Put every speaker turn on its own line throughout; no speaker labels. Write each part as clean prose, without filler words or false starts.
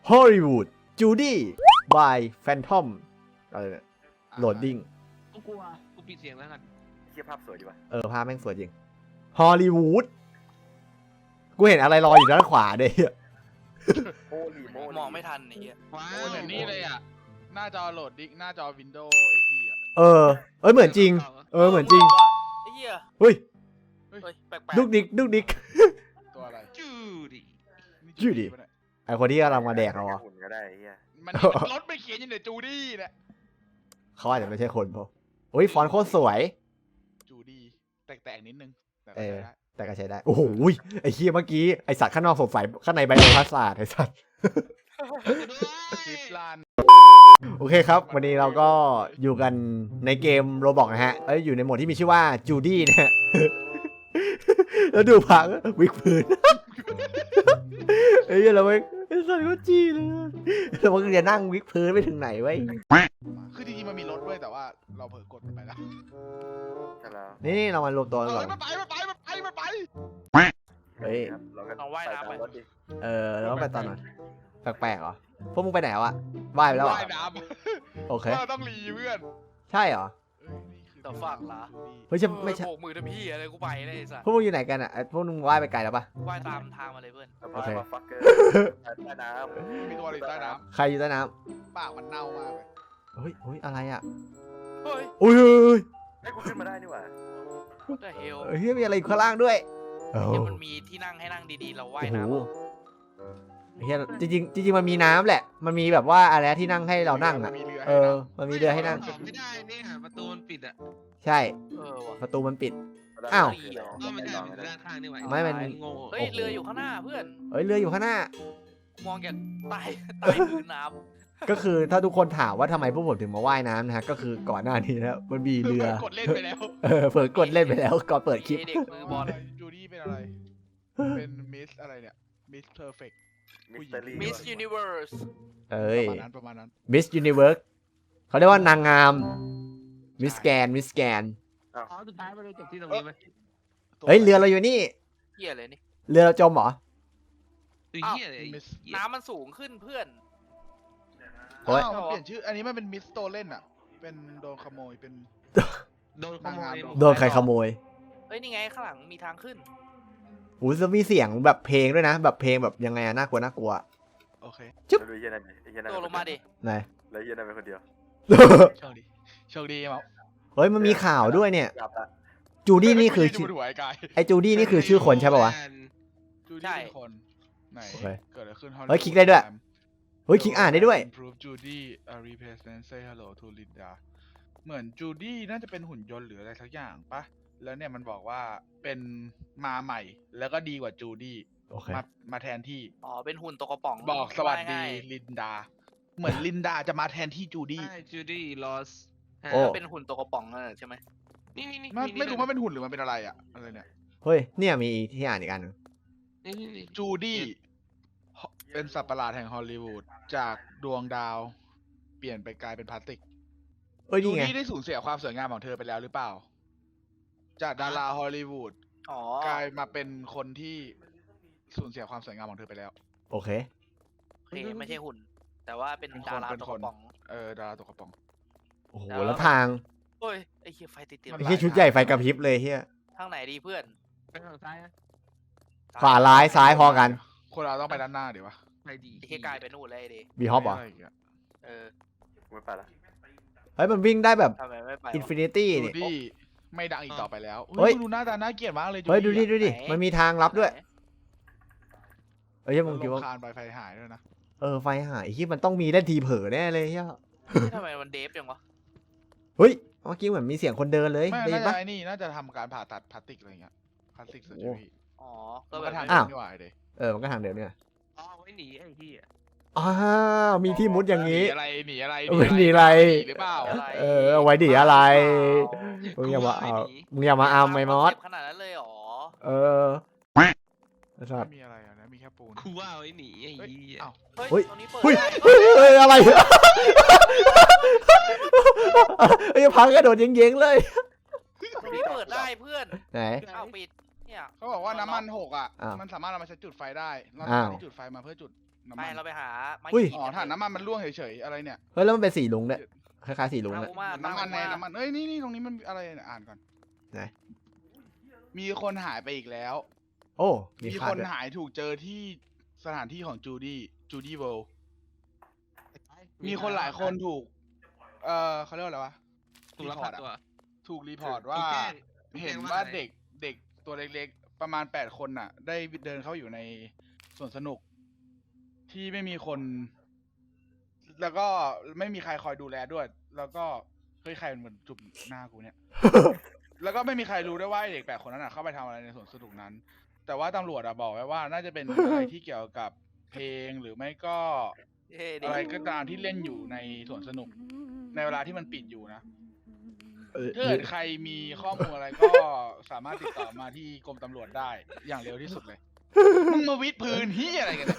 Hollywood Judy by Phantom อะไรเนี่ย Loading
กูกลัวกูปิดเสียงแล้วกัน
เทียบภาพสวยดีว่ะ
ภาพแม่งสวยจริง Hollywood กูเห็นอะไรลอยอยู่ด้านขวาเด้
โมลีโมลี
มองไม่ทันไอ้เหี้ย
ว้า
โอ้
ว
เหมือนนี่เลยอ่ะ หน้าจอโหลดดิ๊กหน้าจอ Windows XP อ่ะ
เหมือนจริง เหมือนจริง
ไอ้เหี้ย
เฮ้ย
เฮ้ยแปลก
ดุกดิกดุกดิก
ตัวอะไร
จูดิ
นี่
ชื่อดิ
ปะเนี่ย
ไอคนที่กำลังมาแดกเราอ่ะ
หุ่นก็ได้ไอ้เฮีย
มันรถไปเขียนอยู่ในจูดี้เนี่ย
เขาอาจจะไม่ใช่คนเพราะโอ้ยฟอนต์โคตรสวย
จูดี้แตกๆนิดนึงแต่
เอ
ก็
อ
ใช้ได้
แต่ก็ใช้ได้ โอ้โหไอเฮียเมื่อกี้ไอสัตว์ข้างนอกสงสัยข้างในไบโอพาสาดไอสัตว์
คลิปลาน
โอเคครับ วันนี้เราก็อยู่กันในเกมโรบอกนะฮะอยู่ในโหมดที่มีชื่อว่าจูดี้นะฮ ะ แล้วดูพังวิกพื้น เฮ้ยเราไม่สัตว์ก็จี้เลยเราก็จะนั่งวิกพื้นไปถึงไหนไว้
คือจริงๆมันมีรถด้วยแต่ว่าเราเผลอกดไปแล้ว
ใช่แล้ว
นี่เรามารวมตัวกันก่อน
มันไป
เฮ้ย
ครับเราก็
เอาว่ายน้ำไป
ตมรถดิ
แล้วก็ไปตอนนั้นแปลกๆเหรอพวกมึงไปไหนวะว่ายไปแล้วเหรอ
ว่ายน้
โอเค
ำเราต้องรีเพื่อน
ใช่เหรอ
แต่ฝากละ
เฮ้ยจะไม่ใช่
โบกมือทำพี่อะไรกูไปเลยไอ้สัส
พวกมึงอยู่ไหนกันอ่ะพวกมึงว่ายไปไกลแล้วปะ
ว่ายตามทางมาเลยเพื่อน
ส
โอ
ปา
เค
ร์มาฟักเกอร์ใต้น้
มีตัวอะไรอยู่ใต้น้
ใครอยู่ใต้น้
ำปากมันเน่ามากเลย
ำเฮ้ยอะไรอ่ะ
เฮ้ย
อุ้ย
ำให้กูขึ้นมาได้นี่หว่า
what the hell
เฮ้ยมีอะไรอยู่ข้างล่างด้วยโอ้
เดี๋ยวมันมีที่นั่งให้นั่งดีๆเราว่ายน้ำ
โหเฮียจริงมันมีน้ำแหละ มันมีแบบว่าอะไรที่นั่งให้เรานั่งอ่ะ
มีเรือ
มันมีเรือให้นั่ง
ออกไม่ได้เนี่ยประตูมันปิดอ่ะ
ใช่
ว่ะ
ประตูมันปิด
แล้ว
อ้าว
ก็ไม่ได้เป็นด้านข้างนี่หว่า
ไม่มัน
โง่
เฮ้ยเรืออยู่ข้างหน้าเพื่อน
เรืออยู่ข้างหน้า
มองจากใต้ใต้พื้นน้
ก็คือถ้าทุกคนถามว่าทำไมพวกผมถึงมาว่ายน้ำนะฮะก็คือก่อนหน้านี้นะมันมีเรือ
กดเล่นไปแล้ว
เผลอกดเล่นไปแล้วก่อนเปิดคลิป
เด็กมือบอล
จูดี้เป็นอะไร เป็นมิสอะไรเนี่ย มิสเพอร์เฟกต์
มิสเตอรี่
Miss Universe
ประมาณนั้น
Miss Universe เขาเรียกว่านางงาม Miss Scan
อ๋อสุดท้ายมันเลยจบที่ตรงนี้ไหม
เฮ้ยเรือเราอยู่นี่
เหี้ยเลยนี่
เรือเราจมเหรอ
คือเหี้ยเลย
มิส
น้ำมันสูงขึ้นเพื่อน
โอ๊ย
อ้าวมันเปลี่ยนชื่อ อันนี้มันเป็นมิสโตเล่นอ่ะ เป็นโดนขโมย เป็น
โดนขโมย
โดนใครขโมย
เฮ้ยนี่ไงข้างหลังมีทางขึ้น
อู้จะมีเสียงแบบเพลงด้วยนะ แบบเพลงแบบยังไงอะน่ากลัว
โอเค
แล้วดูไอ้เหี้ยนั่นดิไอ้เหี้ยนั่น
โดดลงมาดิ
ไหน
แล้วไอ้เหี้ยนั่นเป็นคนเดียว
โชคดี โชคดีมั้ง
เฮ้ยมันมีข่าวด้วยเนี่ย
หลับละ
จูดี้นี่คือ
จู
ชื่อ
ดหัวไอ้กาย
ไอจูดี้นี่คือชื่อคนใช่ป่าวะ
จูดี้เป็นคน ไหน
โอเค
เกิดอะไรขึ้น
เฮ้ยคลิกได้ด้วย เฮ้ยคลิกอ่านได้ด้วย
Improve Judy a replacement say hello to Linda เหมือนจูดี้น่าจะเป็นหุ่นยนต์หรืออะไรสักอย่างปะแล้วเนี่ยมันบอกว่าเป็นมาใหม่ แล้วก็ดีกว่าจูดี้
โอเค
มาแทนที่
อ๋อเป็นหุ่นตัวกระป๋อง
บอกสวัสดี
ง่าย
ลินดา เหมือนลินดาจะมาแทนที่จูดี้
ใช่จูดี้ลอส
โอ้
ๆเป็นหุ่นตัวกระป๋องนั่นแหละใช่ไหม
นี่นี่นี่
ไม่รู้ว่าเป็นหุ่นหรือมันเป็นอะไรอะอะไรเนี่ย
เฮ้ยเนี่ยมีที่อ่านอีกอันหนึ่ง
นี่
จูดี้เป็นสัตว์ประหลาดแห่งฮอลลีวูดจากดวงดาว เปลี่ยนไปกลายเป็นพลาสติก
เอ้ย
จู
นี่ไง
ดี้ได้สูญเสียความสวยงามของเธอไปแล้วหรือเปล่า จากดาราฮอลลีวูด
อ๋อก
ลายมาเป็นคนที่สูญเสียความสวยงามของเธอไปแล้ว
โอเค
โอเคไม่ใช่หุ่น แต่ว่าเป็นดารา
เป็น
ตัว
ค
ก
น
ระป๋อง
ดาราตัวกระป๋อง
โอ้โห
แล้ว
แล้วทาง
เฮ้ยไอ้เหี้ยไฟติด
มัน
ไอ้ที่ชุดใหญ่ไฟกระพริบเลยเฮีย
ทางไหนดีเพื่อน
ไปทางซ้ายนะ
ขวาร้ายซ้ายพอกัน
คนเราต้องไปด้านหน้าเดี๋ยววะ
ไปดี
ไอ้เหี้ยกลายเป็นนู่นเลยไอ้ดิ
บีฮอปเหรอ
ะไย่างเงี้ย
เออ
ไม่ไปละ
เฮ้ยมันวิ่งได้แบบ
ทำไมไม่ไป
อินฟินิตี้
จู
นี่
ดี้ไม่ดังอีกต่อไปแล้ว
เฮ้ย
ดูหน้าตาน่าเกลียดมากเลย
เฮ้ยดูดิ
อะ
ดูดิมันมีทางลับด้วยเอ้ยมึงคิดว่า
คานไปไฟหายด้วยนะ
ไฟหายที่มันต้องมีเล่นทีเผลอแน่เลยเฮีย
ทำไมมันเดฟจังวะ
เฮ้ยเมื่อกี้เหมือนมีเสียงคนเดินเลย
ไม่
ได้ยิ
น่าน จะ
ปะ
ไอ้นี่น่าจะทำการผ่าตัดพลาสติกอะไรเงี้ยพลาสติกเซอร์เจอรี่
อ๋อก็
ก็
แบบ
ทาง
อ้าว
นี่หว่าเด็
มันก็ทางเดิมเนี่ย
อ๋อไว้หนีไอ้ที่
อ้าวมีที่มุดอย่าง
นี้
นี้
หนีอะไร
หนีอะไร
หรือเปล่า
เอาไว้ดีอะไร
อ๋อ
มึงอย่ามาเอามึงอย่ามาเอาไอ้มอส
เจ็บขนาดนั้นเลยเหรอ
ไอ้สั
ไม่
ตว์
มีอะไรอ่ะนะมีแค่ปูน
กูว่าไว้หนีไอ้
เฮ้ย
ยี่
เอ้า
เฮ้ย
เฮ้ย
ตรงนี้เปิด
เฮ้ย
ได้
เฮ้ยอะไรไอ้พังกระโดดเย้งๆเลย
ตรงนี้เปิดได้เพื่อน
ไหน
อ้าวปิดเนี่ย
เขาบอกว่าน้ำมันหกอ่ะ
อ้าว
มันสามารถเอามาใช้จุดไฟได้เรา
อ้าว
ที่จุดไฟมาเพื่อจุดน้ำ
ไป
มัน
เราไปหาไม้
อุ้ย
ขีด
อ๋อถ่านน้ำมันมันร่วงเฉยๆอะไรเนี่ย
เฮ้ยแล้วมันเป็นสีลุงด้วยคล้ายๆสีลุง
ตาม
เลย
กูมา
น้ำมันใน
ตามกูา
น้ำมันเอ้ยนี่ตรงนี้มันอะไรเนี่ยอ่านก่อน
ไหน
มีคนหายไปอีกแล้ว
โอ้มี
มี
ขา
ค
ด
น
ด้วย
หายถูกเจอที่สถานที่ของจูดี้เวิลด์มีคนหลายคนถูกเขาเรียกว่าอะไรวะ
ถูกลักพาตัว
ถูกรีพอร์ตว่า
ถูกแจ้ง
เห็นว่าเด็กตัวเล็กๆประมาณ8 คนน่ะ ได้เดินเข้าอยู่ในสวนสนุก ที่ไม่มีคน แล้วก็ไม่มีใครคอยดูแลด้วย แล้วก็เฮ้ยใครมันเหมือนจุบหน้ากูเนี่ย แล้วก็ไม่มีใครรู้ด้วยว่าไอ้เด็ก8 คนนั้นน่ะเข้าไปทำอะไรในสวนสนุกนั้น แต่ว่าตำรวจอะบอกไว้ว่าน่าจะเป็น อะไรที่เกี่ยวกับเพลงหรือไม่ก็
เฮ้ยเด็ก
อะไรก็ตามที่เล่นอยู่ในสวนสนุก ในเวลาที่มันปิดอยู่นะ
เออ
ถ้าเกิดใครมีข้อมูลอะไรก็สามารถติดต่อมาที่กรมตำรวจได้อย่างเร็วที่สุดเลย มึงมาวิดพื้นที่อะไรกันเนี่ย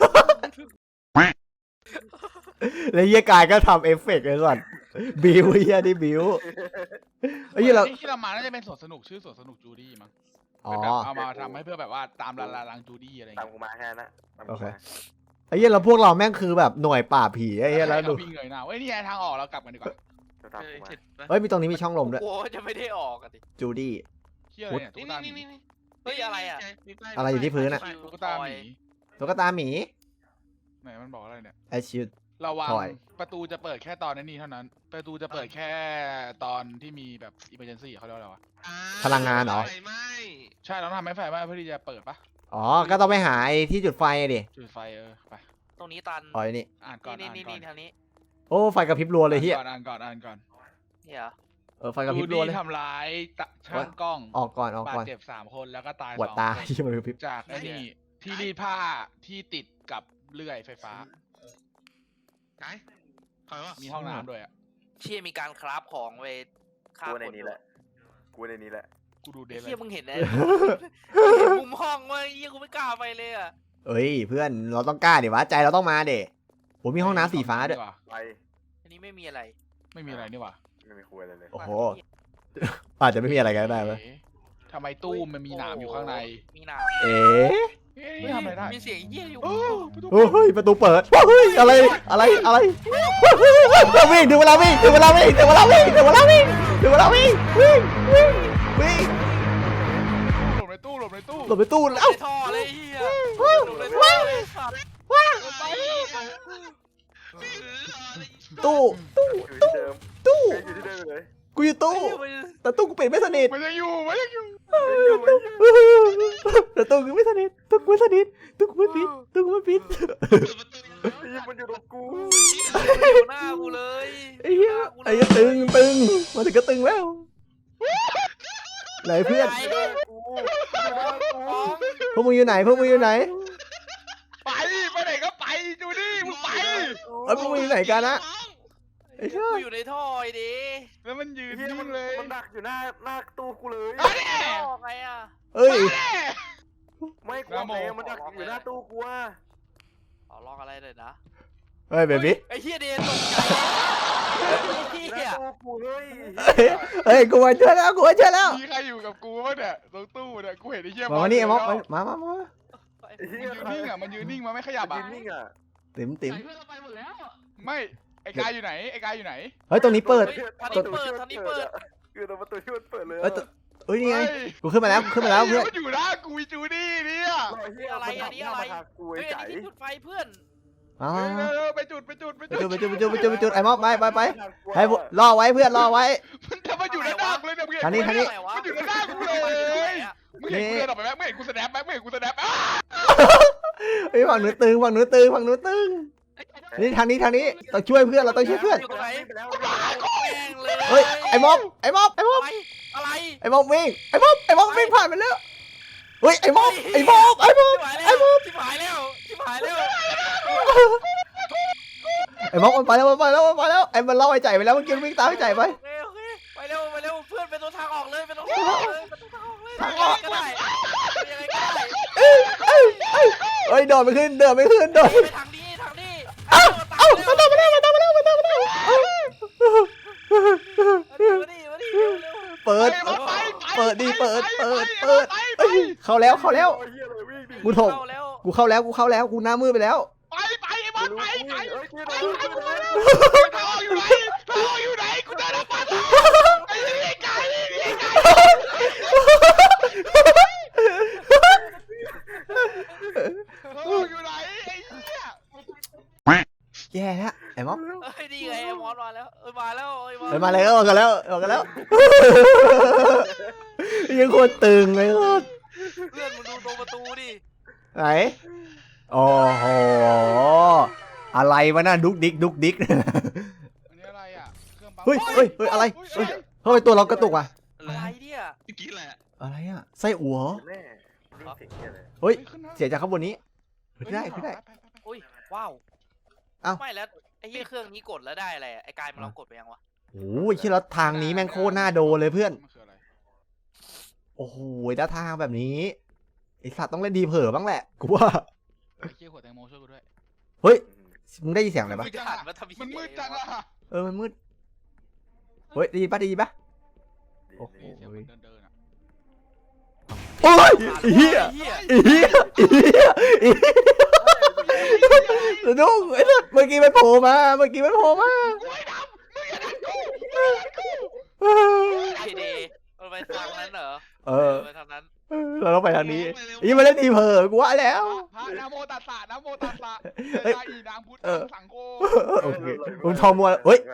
แล้วเฮียกายก็ทำเอฟเฟกต์ไอ้สัสบิวเฮียดิบิวไอ้เฮียเรา
ที่เรามาน่าจะเป็นสวนสนุกชื่อสวนสนุกจูดี้มั้ง
อ๋อ
เป็นแบบเอามาทำให้เพื่อแบบว่าตามลังจูดี้อะไร
ตาม
เงี้ย
กูมาแค่นั้นนะตาม
โอ
กู
เค
มา
ไอ้เฮียเราพวกเราแม่งคือแบบหน่วยปราบผีไอ้เฮียแล้วดู
วิ่งเงยหน้าเว้ยนี่ไงทางออกเรากลับกันดีกว่า
เดี๋ยวตาม
เออ
กูมา
เสร็จปะ
เฮ้ยมีตรงนี้มีช่องลมด้วย
โอ้จะไม่ได้ออกอะดิ
จูดี้
เที่ยอะไรเนี่ยตุ๊
นี่
กตาห
นี่
มี
นี่นี่
เฮ้ยอะไรอะ
มีป้าย
อะไรอยู่ที่พื้นอะ
ตุ๊กตาหมี
ตุ๊กตาหมี
ไหนมันบอกอะไรเนี่ย
ไอชิด
ระวัง
ถอย
ประตูจะเปิดแค่ตอนนี้เท่านั้น ประตูจะเปิดแค่ตอนที่มีแบบอิมเมอร์เจนซี่เขาเรียกว่าอะไรวะ
อ่
พลังงานเหรอ
ไฟไหม้
ใช่เราต้องทำให้ไฟไหม้เพื่อที่จะเปิดปะ
อ๋อก็ต้องไปหาไอ้ที่จุดไฟอะดิ
จุดไฟไป
ตรงนี้ตัน
อ๋อไอ้นี่
อ่านก่อน
นี่
อ่าน
นี่
ก่อ
นี่
น
ทางนี้
โอ้ไฟกระพริบรัวเลยเฮีย
อ่านก่อน
เนี่ยเหรอ
ไฟกระพริบรัวเลย
ทำร้ายช่างกล้อง
ออกก่อนออก
บาด
ก่อน
เจ็บ3 คนแล้วก็ตาย
ปวด
2
ตา
คน
ที่มันกระพริบ
จากไอ้นี่ที่รีดผ้าที่ติดกับเลื่อยไฟฟ้า
ไหนใครวะ
มีห้องน้ำด้วยอ่ะ
เชี่ยมีการคราฟของไว้ฆ่า
กู
ค
ใน
น
นี้แหละกูในนี้แหละ
กูดูเด
ไอ้
ทเล
เชี่ย
ย
มึงเห็นนะมุมห้องว่าเหี้ยกูไม่กล้าไปเลยอะ
เอ้ยเพื่อนเราต้องกล้าดิวะใจเราต้องมาเด็ผมมีห้องน้ำสีฟ้าด้วย
ไป
อันนี้ไม่มีอะไร
ไม่มีอะไรนี่หว่า
ไม่มีคุยอะไรเลย
โอ้โหอาจจะไม่มีอะไรกันก็ได้ไหม
เอ๊ะทำไมตู้มันมีหนามอยู่ข้างใน
มีหนาม
เอ๊ะ
เอ๊ะนี่ทำอะไรได้
มีเสียงเหี้ยอยู่
โอ้ประตู
เฮ้ยประตูเปิดเฮ้ยอะไรวิ่งถึงเวลาวิ่งถึงเวลาวิ่งถึงเวลาวิ่งถึงเวลาวิ่งถึงเวลาวิ่งวิ่ง
หลบในตู้
หลบไปตู้
ใน
แล้ว
ท่อเลยเหี้ยหลบในท่อเลยสัตว์
ไป
ตู้
อยู่ที่เดิม
ตู้
อยู่ที่เดิมเลย
กูอยู่ตู้แต่ตู้กูปิดไม่สนิท
มันยังอยู่
แต่ตู้กูไม่สนิทตู้กูไม่สนิทตู้กูไม่ปิดตู้กูไม่ปิด
นี่มันอยู่ตรงกู
อยู่หน้ากูเลย
ไอ้เหี้ยไอ้เหี้ยตึงมาถึงก็ตึงแล้วไหนเพื่อน
ไหน
กู
พวกมึงอยู่ไหน
ไปไหนก็ไปจูดี้มึงไป
เอ้ยพวกมึงอยู่ไหนกันนะไอ้เหี้ย
กูอยู่ในท่อไอ้ดิ
แล้วมันยืน
เฮีย
นิ่
มัน
งเลย
มันดักอยู่หน้าตู้กูเลย
เอาดิ
ท่อไงอะ
เอ้ย
ไม่กลัวเพลงมันดักอยู่หน้าตู้กูอะ
เอาลองอะไรเลยนะ
เฮ้ยเบบี้
ไอ้เหี้ยเดนตกใจไอ้
ห
เหี้
น้าย ตู้กูเฮ้ย
เฮ้ยกูมาเจอแล้ว
มีใครอยู่กับกูปะเนี่ยตรงตู้เนี่ยกูเห็นไอ้เหี้ย
มานี่ไอ้ม็อก
มัน
มา
เฮี
ยื
ย
นนิ่งอ่ะมันยืนนิ่งมันไม่ขยับ
ยื
อ่ะ
นนิ่งอ่ะ
ติ๋ม
เพื่อนเราไปหมดแล้ว
ไม่ไอ้กายอยู่ไหน
เฮ้ยตรงนี้เปิด
ทางนี้เปิดทางนี้เปิด
คือตรงประตูที่มันเปิดเลย
เอ้ยเฮ้ยนี่ไงกูขึ้นมาแล้วเพื่อน
มันอยู่หน้ากูจูดี้เนี่ย
อะไรกู
เฮ้
ไอ้
ยอัน
ไก่
นี้ที่จุดไฟเพื่อน
อ๋อ
เร็วไปจุด
ไปจุดไอ้ม็อกไปให้รอไว้เพื่อนรอไว้
มันทำมาอยู่หน้ากูเลยเนี่ย
ทางนี้
มันอยู่หน้ากูเลยมึงเห็นกูเดินออกไปไหมมึงเห็นกูสแนปไหมมึงเห็นกูสแนป
ไอ้ฝั่งหนูตึงนี่ทางนี้ต้องช่วยเพื่อนเราต้องช่วยเพื่อน
อยู่ตรงไหน
ไปแล้ว
แม่งเลย
เฮ้ยไอ้ม็อก
อะไร
ไอ้ม็อกวิ่งไอ้ม็อกวิ่งผ่านไปแล้วเฮ้ยไอ้ม็อก
ชิบหายแล้วชิบหายแล้ว
ไอ้ม็อกมันไปแล้วไอ้มันเล่าไอ้ใจไปแล้วมันกินวิ่งตามไอ้ใจไป
โอเคไปเร็วเพื่อนเป็นตัวทางออกเลยก็ได้ยังไงก็ได้
เฮ้ยโดดไม่ขึ้นโดด
ไปทางนี้เอ้ามาตามมาแล้วมาดิ
เปิดดิเอ้ยเข้าแล้ว
เฮียเลยวิ่งดิ
กูเข้าแล้วกูหน้ามืดไปแล้ว
ไป
ฮ้ยช่วยหน่อยช่วยหน่อย
ทางออกอยู่ไหนทางออกอยู่ไหนกูได้รับมาไอ้นี่ไก่นี่ไก่ทางออกอยู่ไหนไอ้เหี้ย
แย่แล้วไอ้ม็อบ
เฮ้ยนี่ไงไอ้มอสมาแล้วมาแล้ว
เฮ้ยมาเลยออกกันแล้วออกกันแล้วยังโคตรตึงเลยโคตร
เพื่อนมึงดูตรงประตูดิ
ไหนโอ้โหอะไรวะน่ะดุกดิกดุกดิก
อันนี้อะไรอ่ะเครื่องปั๊ม
เฮ้ยเฮ้ยเฮ้ยอะไรเฮ้ยเฮ้ยตัวเรากระตุกอ่ะ
อะไรเนี่ย
เมื่อกี้แหละ
อะไรอ่ะไส้อั่ว
แม่นี่เสียงเหี้ยเลย
เฮ้ย
ขึ้นนะ
เสียจากข้างบนนี้ขึ้นได้ขึ้นได้
ไป
อุ้ยว้าว
เอ้า
ไม่แล้วไอ้เหี้ยเครื่องนี้กดแล้วได้อะไรไอ้กายมันลองกดไปยังวะ
โอ้ยที่แล้วทางนี้แม่งโคตรน่าโดนเลยเพื่อน
มันคืออะไร
โอ้โหถ้าทางแบบนี้ไอสัตว์ต้องเล่นดีเผลอบ้างแหละกูว่า
ไอ้เชี่ยหัวแตงโมช่วยกูด้วย
เฮ้ยมึงได้ยินเสียงอะไรปะ
มันมืดจังอะมันมืดจังอะ
มันมืดเฮ้ยได้ยินปะได้ยินปะ โอ้โห
เสียงมันเดินอะ
โอ้ยอีเหี้ยอีเหี้ยอีเหี้ยอีเหี้ยสนุกไอ้สัตว์เมื่อกี้มันโผล่มาเมื่อกี้มันโผล่มา
ไอเดย์มันไปทางนั้นเหรอ
เออ
ไปทางนั้น
เราต้องไปทางนี้อีมาเล่นดีเผลอกูว่าแล้ว
พระนะโมตัสสะนะโมตัสสะ
เฮ้ย
เตอีนางพุทธสังโฆ
โอเคมึงทองมัวเฮ้ย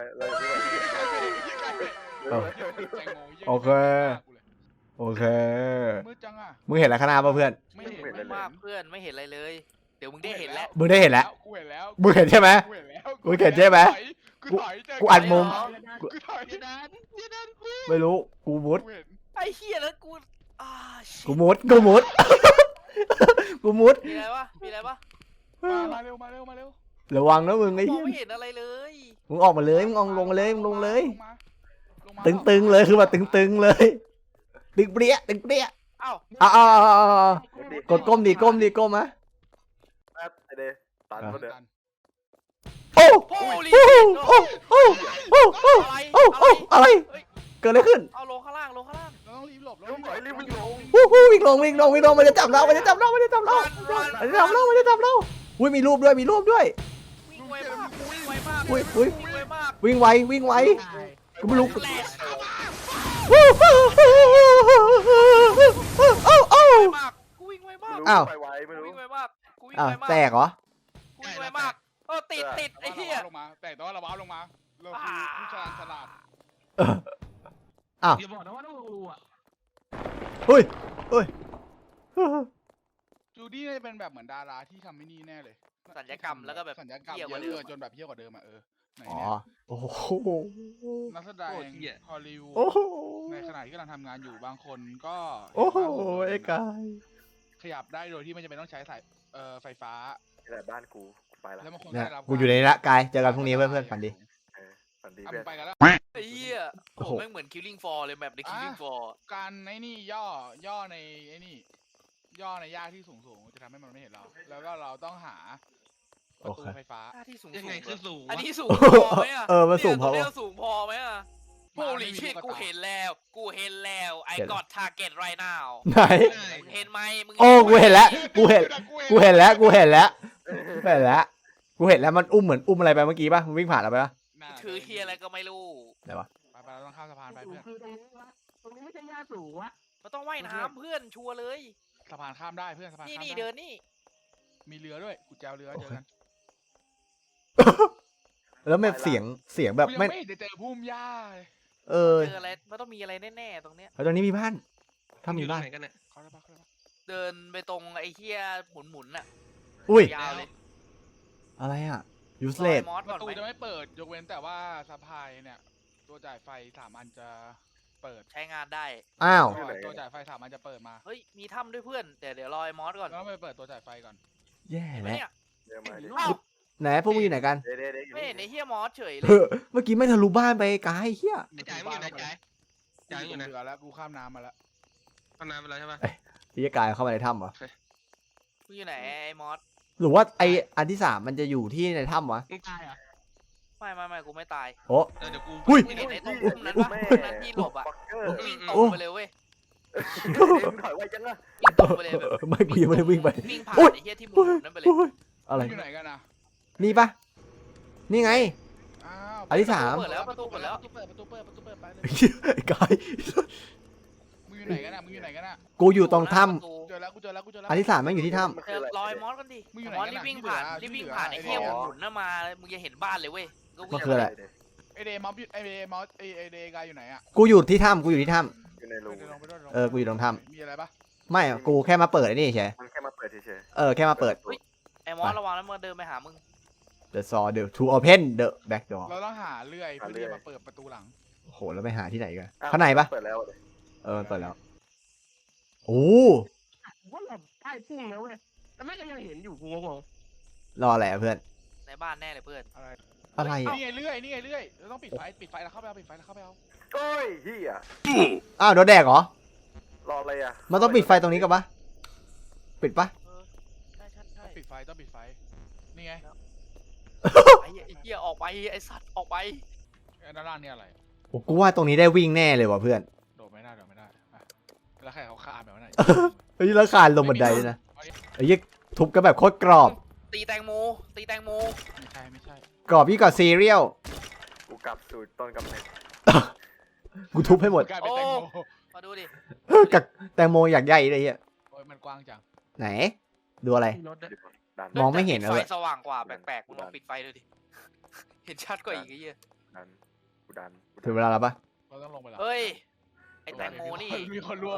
แตงโม
โอเค โอเค
มืดจังอะ
มึงเห็นอะไรข้างหน้าป่ะเพื่อน
ไม่เห็น
ไม่มากเพื่อนไม่เห็นอะไรเลย เดี๋ยวมึงได้เห็นแล้ว
มึงได้เห็นแล้ว
กูเห็นแล้ว
มึงเห็นใช่ไหม
กูเห็นแล้ว
กูเห็นใช่ไหม
กูถอยเจ
กูอัดมุม
กูถอย
เดี๋ยวนั้นเดี๋ยวนั้น
ไม่รู้กูมุด
กูเห็น
ไอ้เหี้ยแล้วกูชิ
กูมุดกูมุด กูมุด
มีอะไรวะมีอะไรวะ
มาเร็วมาเร็วมาเร็ว
ระวังนะมึงไอ้
มอง
เหี้ย
ไม่เห็นอะไรเลย
มึงออกมาเลยมึงลงมาเลยมึงลงเลย
ลงมา
ตึงๆเลยคือแบบตึงๆเลยตึงเปรี้ยตึงเปรี้ย
เอ้า
กดก้มดิก้มดิก้มมะ
แป๊บไอเดย์ตันมาเด้อ
โอ้
โอ้ลิ
โอ้โอ้โอ้โอ้
อะไร
โอ้โอ้อะไรเกิดอะไรขึ้น
เอาลงข้างล่างลงข้างล่าง
เราต้องรีบหลบ
เร็วหน่อยรีบวิ่งลง
วิ่งลงวิ่งลงวิ่งลงมันจะจับเรามันจะจับเรามันจะจับเรามันจะจับเรามันจะจับเราอุ้ยมีรูปด้วยมีรูปด้วย
วิ่งไวมากวิ่งไวมาก
อุ้ยอุ้ย
วิ่งไวมาก
วิ่งไววิ่งไวกูไม่รู้
แหลก
โอ้โอ้
ไวมากกูวิ่งไวมาก
อ้าว
ไปไวไม่
กู
รู้
วิ่งไวมากกูวิ่ง
อ้าว
ไวมาก
แตกเหรอ
กูวิ่งไวมากติดไอ้เหี้ย
ลงมาแต่ว่าเราว้าวลงมาเราคือผู้ชาญฉลาด
อย่าบอกนะว่าต้องรู้อ่ะ
เฮ้ย
จูดี้น่าจะเป็นแบบเหมือนดาราที่ทำไม่นี่แน่เลย
สัญญกรรมแล้วก็แบบ
สัญญกรรม
เหี้ย
เย
กว่า
อะ
เดิม
จนแบบเหี้ยกว่าเดิมอ่ะไหน
อ๋อ
เนี่ย
โอ้โห
นักแสดงฮอลลีวูด
โอ้โห
ในขณะที่กำลังทำงานอยู่บางคนก็
โอ้โหไอ้กาย
ขยับได้โดยที่ไม่จำเป็นต้องใช้สายไฟฟ้า
แต่บ้านกูไปละ
แล้วบางคน
เนี่ย
ได้รับ
กูอยู่ในนี้ละกายเจอกันพรุ่งนี้เพื่อนๆฝันดี
ฝันดี
อ่ะ
เพื่
มึ
อน
งไปกันแล้ว
ไอ้เหี้ย
โอ้
โอ้
โห
แม่งเหมือน Killing Floor เลยแบบใน Killing Floor
การไอ้นี่ย่อในไอ้นี่ย่อในหญ้าที่สูงจะทำให้มันไม่เห็นเรา แล้วก็เราต้องหาประตูไฟฟ้า
หน้าที่สูง
ยังไงคือสูง
อัน
วะ
นี้สูงพอไหมอ่ะ
มันสูงพอ
เนี่ย
ปะ
สูงพอไหมอ่ะโอ้ลิชิกูเห็นแล้วไอ้กอดทาร์เก็ตไรนาว
ไหน
เห็นไหมมึง
โอ้กูเห็นแล้วกูเห็นแล้วกูเห็นแล้วกูเห็นแล้วมันอุ้มเหมือนอุ้มอะไรไปเมื่อกี้ป่ะมันวิ่งผ่านเราไปป่ะ
ถือเฮียอะไรก็ไม่รู้
ไหนวะ
ไปเราต้องข้ามสะพานไป
สูง
เพื่อน
คือตรงนี้วะตรงนี้ไม่ใช่หญ้าสูงวะ
มันต้องว่ายน้ำเพื่อนชัวร์เลย
สะพานข้ามได้เพื่อนสะพาน
นี่
ข้าม
นี่
ได้
เดินนี่
มีเรือด้วยกูแจวเรือเจอกัน
แล้วแบบเสียงแบบ
กูยัง
ไม่
ไม่ได้เจอพุ่มหญ้าเลย
เออ
เจออะไรมันต้องมีอะไรแน่ๆตรงเนี้ย
แล้วตอนนี้มีบ้านถ้ามี
อยู่ตร
บ้าง น
ไหนกันเนี่ย
เขาได้ปะ
เดินไปตรงไอ้เฮียหมุนๆน่ะ
อุ้ย
ยาวเลย
อะไรอ่ะยูส
ร
เล
อ
ด
ยมอส
ป
ก่อน
ระตู
ไหม
จะไม่เปิดยกเว้นแต่ว่าสะพายเนี่ยตัวจ่ายไฟ3 อันจะเปิด
ใช้งานได้
อ้าว
ตัวจ่ายไฟ3 อันจะเปิดมา
เฮ้ยมีถ้ำด้วยเพื่อนแต่เดี๋ยวรอยมอสก่อน
แล้วไปเปิดตัวจ่ายไฟก่อน
แย่
เห็นไหม
แล้ว
เนี่ย
เดี๋ยวมาดิ
เอ้า
ไหนพวกมึงอยู่ไหนกัน
เดี๋ยวอยู่
ไม่เห็นไอ้เฮียมอสเฉยเล
เอย อเมื่อกี้ไม่ทะลุบ้านไปไกลเฮีย
ไอ้จ่ายมึงอยู่ไหนจ่ายจ่ายมึงอยู่ไหน
เรือแล้วกูข้ามน้ำมาแล้ว
เอาน้ำไปแล้วใช่ปะ
พี่กายเข้ามาในถ้ำเหรอ
มึงอยู่ไหนไอ้มอส
หรือว่าไออันที่สามมันจะอยู่ที่ในถ้ำวะ
มึงตายเหรอ่ะ
ไม่กูไม่ตาย
โอ้
เดี๋ยวกู
อุ้ย
มึงเห็นไอ้ตรงพุ่มนั้นปะพุ่มนั้นที่หลบอ่ะ
บักเกอร์
วิ่งตรงไปเลยเว้ย
ถอยไวจังอะ
วิ่งตรงไปเลยแบบ
ไม่กูยังไม่ได้วิ่งไป
วิ่งผ่าน
อุ๊ย
ไอ้เฮียที่หมุ
โอ้ย
นนั้นไปเลย
โอ้ยอะไร
อยู่ไหนกันนะ
นี่ปะนี่ไง
อ้าว
อันที่สาม
เปิดแล้วประตูเปิดแล้ว
ประตูเปิดไปเลย
ไอ้กาย
มึงอยู่ไหนกันอ่ะมึงอยู่ไหนกันอ่ะ
กูอยู่ตรงถ้
เจอแล้วกูเจอแล้ว
ำอันที่3แม่งอยู่ที่ถ้
มันคืออะไร
รอยมอสกันดิ
มึงอยู่ไหน
มอส
กัน
รี
อะ
บวิ่งผ่าน
ที่
รีบ
เหลือ
วิ่งผ่านไอ้
ที่
เหี้ย
เหลือ
หมุนมามึงจะเห็นบ้านเลยเว้ย
ำมันคืออะไร
ไอเดย์มอสไอเดย์มอสไอเดย์กายอยู่ไหนอ่ะ
กูอยู่ที่ถ้ำกูอยู่ที่ถ้
อยู่ในรู
เดี๋ยวลงไปด้วยลง
เออกูอยู่ตรงถ้
มีอะไรปะ
ำไม่อะกูแค่มาเปิดไอ้นี่เฉย
มันแค่มาเปิดเฉย
เออแค่มาเปิด
ไอ้มอสระวังแล้วมันเดินไปหามึง
The saw the to open the back door
เราต้องหาเลื่อยเพื่อที่จะมาเปิดประตูหลัง
โอ้โหแล้วไปหาที่ไหนกัน
ๆอ้ว
ข้างในปะ
เปิดแล้ว
เออมันเปิดแล้วโอ้
ว่าเราใกล้พุ่งแล้วเว้ยแต่แม่งก็ยังเห็นอยู่กูงง
รออะไรอะเพื่อน
ในบ้านแน่เลยเพื่อน
อะไร
อะไรอะ
นี่ไงเลื่อยนี่ไงเลื่อยเราต้องปิดไฟแล้วเข้าไปเอาปิดไฟแล้วเข้าไปเอา
โอ้ยเฮีย
อ้าวโดนแดกเหรอ
รออะไรอ่ะ
มันต้องปิดไฟตรงนี้กันปะปิดปะ
ใช่ใช่ใช่
ต้องปิดไฟต้องปิดไฟนี่ไง
ไอ้เหี้ยออกไปไอ้สัตว์ออกไป
ไอ้ด้านล่างเนี่ยอะไร
โอ้กูว่าตรงนี้ได้วิ่งแน่เลยว่ะเพื่อน
โดดไม่ได้อ่ะแล้วใครเขาคาแบบนั้น
เฮ้ยแล้วคานลงบันไดด้วยนะไอ้ยี่ทุบกันแบบโคตรกรอบ
ตีแตงโม
ไม่ใช่
กรอบยิ่งกว่าซีเรียล
กูกลับสู่ต้นกำเนิด
กูทุบให้หมด
กลายเป็นแตงโม
มาดูดิ
กับแตงโมอยากใหญ่เลยเฮีย
โอ้ยมันกว้างจัง
ไหน ดูอะไร
ๆรถอะ
ดัน
มองไม่เห็นเลย
ไฟสว่างกว่าแปลกๆมึงลองปิดไฟดูดิ เห็นชัดกว่าอีกไอ้เหี้ย
ดันกูดัน
ถึงเวลาแล้วปะ
เราต้องลงไปแล้ว
เฮ้ย ไอ้แตงโมนี่
มีคนร่วง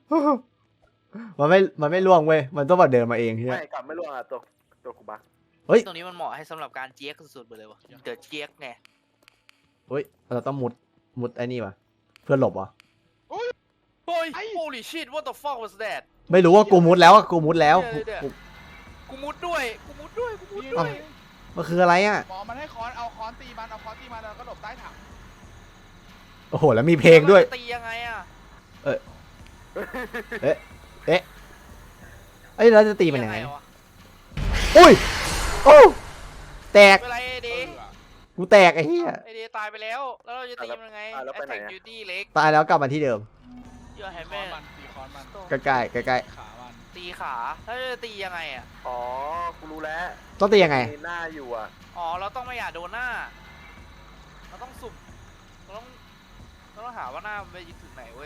มันไม่ล่วงเว้ย มันต้องแบบเดินมาเองเฮีย
ไม่กลับไม่ร่วงอ่ะตัวกูบัก
ตรงนี้มันเหมาะให้สำหรับการเจี๊ยกสุดๆไปเลยวะเดอะเจี๊ยกไง
เฮ้ย เราต้องมุดไอ้นี่วะเพื่อหลบวะ
เฮ้ย holy shit what the fuck was that
ไม่รู้ว่ากูมุดแล้วอะกูมุดแล้ว
เดี๋ยว กูมุดด้วย
มันคืออะไรอ่ะ
หมอมันให้ค้อนเอาค้อนตีมันแล้วก็หลบใต้ถัง
โอ้โห แล้วมีเพลงด้วย
แล้มันจะตียังไงอะ
เอ้ยแล้วจะตีมันยังไง
วะ
อุ้ย โอ้แตก
เวลาไอเดย์
กูแตกไอ้เหี้ย
ไอเดย์ตายไปแล้ว แล้วเราจะตีมันยังไง Attack Duty เล็ก
ตายแล้วกลับมาที่เดิม
เยอะแฮม
ค้
แม่
อนมันตีค้อนมัน
ใกล้ๆใกล้
ขามัน
ตีขา ถ้าจะตียังไงอะ
อ๋อกูรู้แล้ว
ๆต้องตียังไง
มีหน้าอยู่อ่ะ
อ๋อ เราต้องไม่อยากโดนหน้า เราต้องสุ่มเราต้องหาว่าหน้ามันไปถึงไหนเว้ย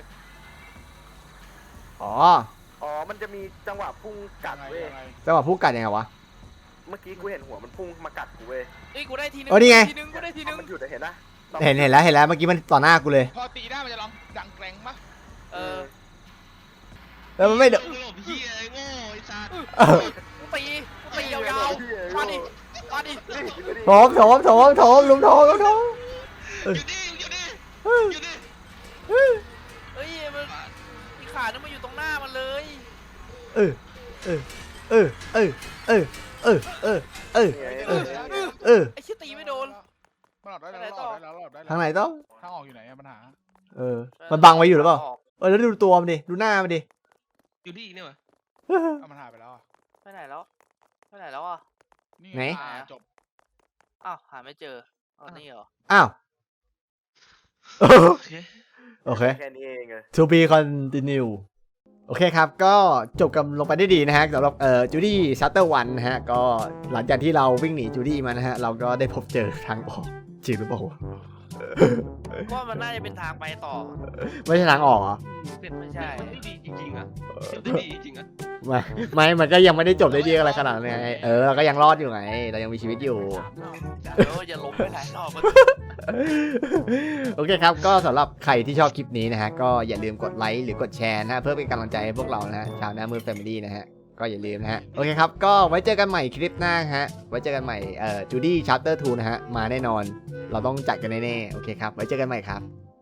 อ๋อ
อ๋อมันจะมีจังหวะพุ่งกัดเว้ย
ยังไง
จังหวะพูดกันยังไงวะ
เมื่อกี้กูเห็นหัวมันพุ่งมากัดกูเว้ย
เฮ้ย กูได้ทีนึง
เออนี่ไง
กูได้ทีนึง
มันหยุดอะเห็นนะ
เห็นแล้วเมื่อกี้มันต่อหน้ากูเลย
พอตีได้มันจะร้องดังแกร่งปะ
เออ
แล้วมันไม่เด
หลบเฮียไอ้โง่ไอ้สัตว์
กูตียาวๆ มาดิ
โถมลุมโถม
อยู่นี่
เฮ้ย มันอีขานึงมาอยู่ตรงหน้ามันเลย
เออ
ไอ้เชี่ยตีไม่โดน
มันหลอดได้แล้วหลอดได้แล้ว
ทางไหนต้อง
ทางออกอยู่ไหนอะปัญหา
มันบังไว้อยู่หรือเปล่า แล้วดูตัวมันดิ ดูหน้ามันดิ
อยู่นี่เนี่ยวะ
เอามันหายไปแล้วอะ
ไปไหนแล้วอ่ะ
นี่
ไหน
จบ
อ้าว หาไม่เจอเอานี่เหรอ
อ้าว
โอเค
โอเค
แค่นี้เองเลย
to be continue โอเคครับ ก็จบกันลงไปได้ดีนะฮะสำหรับจูดี้ชัตเตอร์วันนะฮะ ก็หลังจากที่เราวิ่งหนีจูดี้มานะฮะ เราก็ได้พบเจอทางออกจริงหรือเปล่าวะ
ก็มันน่าจะเป็นทางไปต่อ
ไม่ใช่ทางออกเหรอ
ไม่ใช่
มันได้ดีจริงๆอ่ะได้ดีจริงๆอ่ะ
ไม่มันก็ยังไม่ได้จบได้ดีอะไรขนาดนั้นไงเราก็ยังรอดอยู่ไง เรายังมีชีวิตอยู่
เดี๋ยวอย่าล้มไปหลายรอบ
โอเคครับ ก็สำหรับใครที่ชอบคลิปนี้นะฮะ ก็อย่าลืมกดไลค์หรือกดแชร์นะฮะเพื่อเป็นกำลังใจให้พวกเรานะฮะชาวหน้ามือแฟมิลี่นะฮะ ก็อย่าลืมนะฮะ โอเคครับ ก็ไว้เจอกันใหม่คลิปหน้าฮะ ไว้เจอกันใหม่จูดี้ชัปเตอร์2นะฮะ มาแน่นอน เราต้องจัดกันแน่ๆ โอเคครับ ไว้เจอกันใหม่ครับ